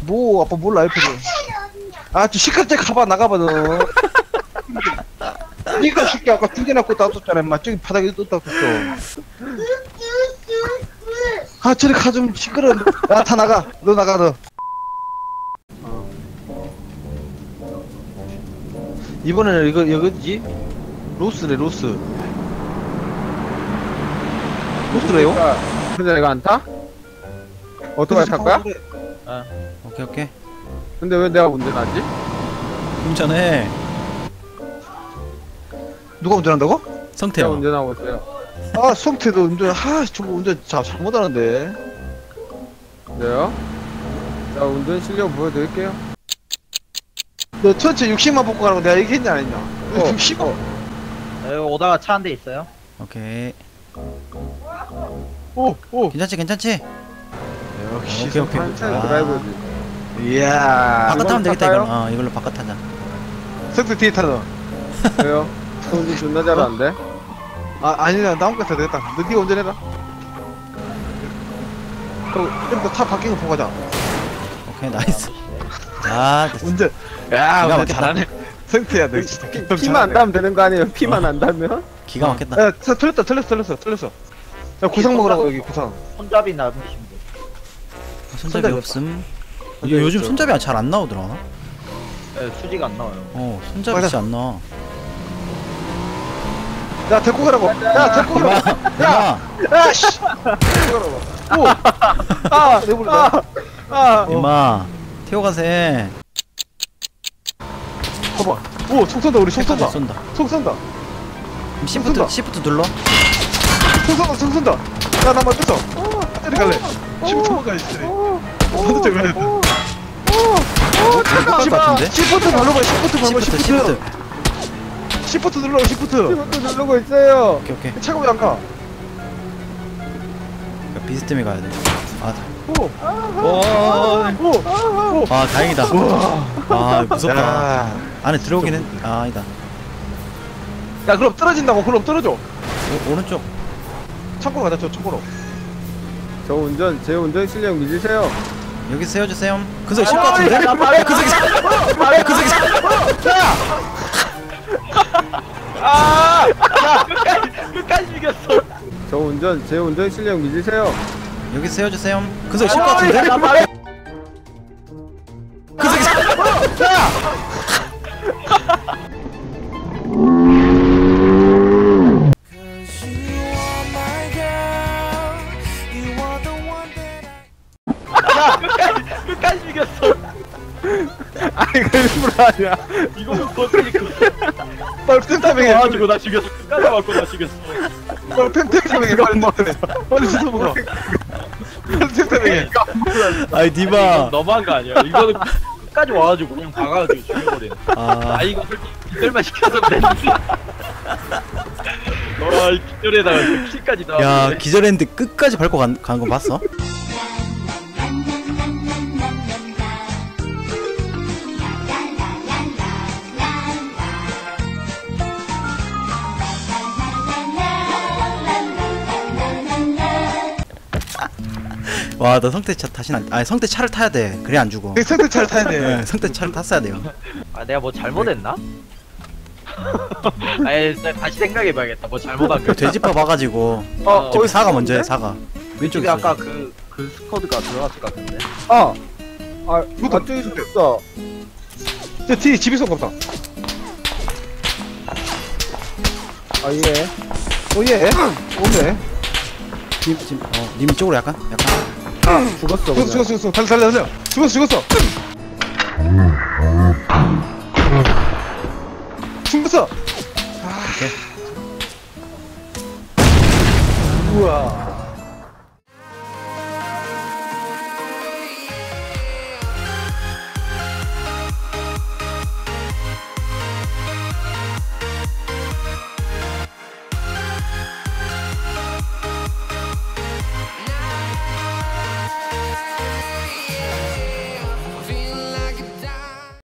뭐 아빠 몰라 옆에서. 아 좀 시끄럽게 가봐 나가봐 너. 니가 새끼 아까 두 개나 꽂다 뒀잖아 인마. 저기 바닥에 뒀다 뒀어. 아 저리 가 좀 시끄러워. 야 다 나가. 너 나가 너. 이번에는 이거 여기지? 로스래 로스. 로스래요? 근데 내가 안 타? 오토바이 탈 거야? 아, 오케이. 근데 왜 내가 운전하지? 운전해. 누가 운전한다고? 제가 성태요. 운전하고 있어요. 아 성태도 운전. 아 저거 운전 잘못하는데. 그래요? 자, 운전 실력 보여드릴게요. 너 전체 60만 뽑고 가라고 내가 얘기했냐 안 했냐? 60만. 여기 오다가 차 한 대 있어요. 오케이. 오. 괜찮지? 역시. 오케이. 한참 아. 드라이브지. 이야. 바깥 타면 되겠다 탈까요? 이걸로. 이걸로 바깥 타자. 성태 뒤에 타너. 왜요? 저 운전 존나 잘하는데? 아 아니야 나 혼자 타야 되겠다. 너 니가 운전해라. 그럼 차 바뀐 거 보고 가자. 오케이 나이스. 아 됐어. 운전. 야 기가 운전 막히다. 잘하네. 성태야 너 진짜. 피만 안 닿으면 되는 거 아니에요? 피만 안 닿으면? 기가 막혔다. 야 틀렸어. 야 구상 먹으라고 여기 구상. 손잡이 남으시면 돼. 손잡이 손잡이 없음. 손잡이 요즘 없죠. 손잡이 잘 안 나오더라. 네, 수지가 안 나와요. 손잡이 맞아. 진짜 안 나와. 야 데리고 가라고. 야 데리고 가라고. 야 씨. 데리고 가라고. 오. 아 내버려. 임마 태워 가세. 봐봐. 오 총 쏜다 우리 총 쏜다. 쏜다. 총 쏜다. 시프트 눌러. 총 쏜다. 야나 맞췄어. 어디 갈래? 시프트만 가야지. 반대쪽 가야 돼. 것 같은데? 시프트 눌러봐. 시프트. 시프트 눌러. 시프트. 피부터 누르고 있어요. 오케이. 차가 왜 안 가? 비스듬히 가야 돼. 오. 아 다행이다. 아 무섭다. 야. 안에 들어오긴 했. 아 아니다. 야 그럼 떨어진다고. 그럼 떨어져. 오른쪽. 창고로 가자. 저 창고로. 제 운전 실력 믿으세요. 여기 세워주세요. 그 소리 쉴것 같은데? 그 소리 끝까지 죽였어. 제 운전 실력 믿으세요. 여기 세워주세요. 그 소리 쉴것 같은데? 그 소리 끝까지 죽였어. 아니, 그 일부러 아니야. 이거 버티니까 빨리 템타밍해. 와가지고 나 죽였어. 끝까지 맞고 나 죽였어. 빨리 템타밍해. 빨리 씻어 먹어. 빨리 템타밍해. 아이 디바. 너무한 거 아니야? 이거는 끝까지 와가지고 그냥 박아가지고 죽여버리네. 아 이거 솔직히 기절만 시켜서 그랬는데. 이 기절에다가 킬까지 다. 야 기절했는데 끝까지 밟고 간 거 봤어? 와 너 성태 차 다시 아니 성태 차를 타야 돼. 그래 안 죽어. 성태 차를 타야 돼. 네, 성태 차를 탔어야 돼요. 아 내가 뭐 잘못했나? 아니 다시 생각해봐야겠다. 뭐 잘못한 거. 돼지밥 와가지고 어, 사과 먼저 해. 사과. 왼쪽에 왼쪽에 아까 그 스쿼드가 들어갔을 것 같은데. 저쪽에 있어. 저 뒤에 집에서 온가 보다. 예. 오예. 오네. 님 쪽으로 약간. 죽었어. 그냥. 죽었어. 달려. 죽었어.